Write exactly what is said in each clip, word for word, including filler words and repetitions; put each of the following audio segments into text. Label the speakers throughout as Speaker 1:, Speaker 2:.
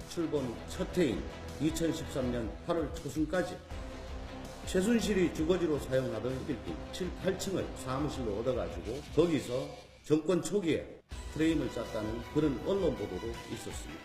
Speaker 1: 출범 첫 해인 이천십삼 년 팔월 초순까지 최순실이 주거지로 사용하던 빌딩 칠, 팔 층을 사무실로 얻어가지고 거기서 정권 초기에 프레임을 짰다는 그런 언론 보도도 있었습니다.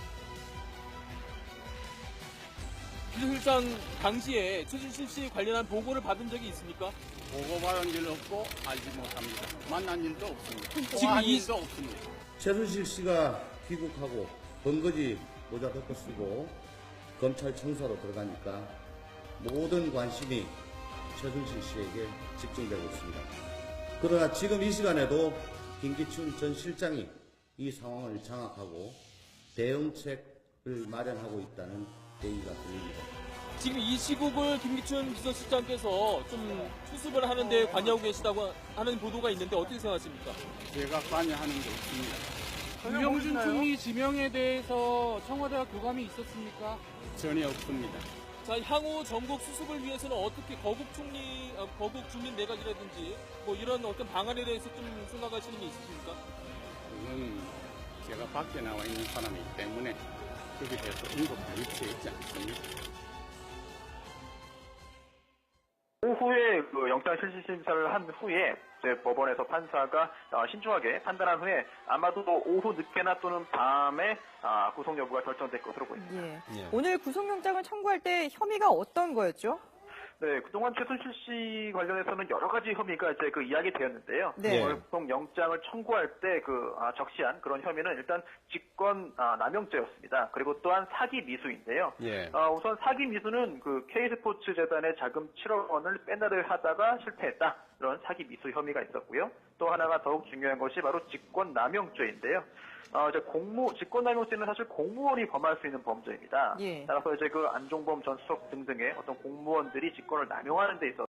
Speaker 2: 비서실장 당시에 최순실 씨 관련한 보고를 받은 적이 있습니까?
Speaker 3: 보고받은 일 없고 알지 못합니다. 만난 일도 없습니다.
Speaker 2: 지금
Speaker 3: 통화한
Speaker 2: 이-
Speaker 3: 일도 없습니다.
Speaker 1: 최순실 씨가 귀국하고 번거지 모자 덮고 쓰고 검찰 청사로 들어가니까 모든 관심이 최순실 씨에게 집중되고 있습니다. 그러나 지금 이 시간에도 김기춘 전 실장이 이 상황을 장악하고 대응책을 마련하고 있다는 얘기가 들립니다.
Speaker 2: 지금 이 시국을 김기춘 비서실장께서 좀 수습을 하는데 관여하고 계시다고 하는 보도가 있는데 어떻게 생각하십니까?
Speaker 3: 제가 관여하는 게 없습니다.
Speaker 4: 유영준 총리 지명에 대해서 청와대와 교감이 있었습니까?
Speaker 3: 전혀 없습니다.
Speaker 2: 자, 향후 전국 수습을 위해서는 어떻게 거국 총리, 어, 거국 주민 내각이라든지 뭐 이런 어떤 방안에 대해서 좀 생각하시는 게 있으십니까?
Speaker 3: 그건 제가 밖에 나와 있는 사람이기 때문에 거기에 대해서 언급할 위치에 있지 않습니다.
Speaker 5: 오후에 그 영장 실시 심사를 한 후에 이제 법원에서 판사가 어, 신중하게 판단한 후에 아마도 오후 늦게나 또는 밤에 아, 구속 여부가 결정될 것으로 보입니다.
Speaker 6: 예. 오늘 구속영장을 청구할 때 혐의가 어떤 거였죠?
Speaker 5: 네, 그동안 최순실 씨 관련해서는 여러 가지 혐의가 이제 그 이야기 되었는데요.
Speaker 6: 네.
Speaker 5: 어, 보통 영장을 청구할 때 그 아, 적시한 그런 혐의는 일단 직권 아, 남용죄였습니다. 그리고 또한 사기 미수인데요.
Speaker 3: 예.
Speaker 5: 어, 우선 사기 미수는 그 K스포츠 재단의 자금 칠억 원을 빼내를 하다가 실패했다. 이런 사기 미수 혐의가 있었고요. 또 하나가 더욱 중요한 것이 바로 직권 남용죄인데요. 어, 이제 공무, 직권남용죄는 사실 공무원이 범할 수 있는 범죄입니다.
Speaker 6: 예.
Speaker 5: 따라서 이제 그 안종범 전 수석 등등의 어떤 공무원들이 직권을 남용하는 데 있어서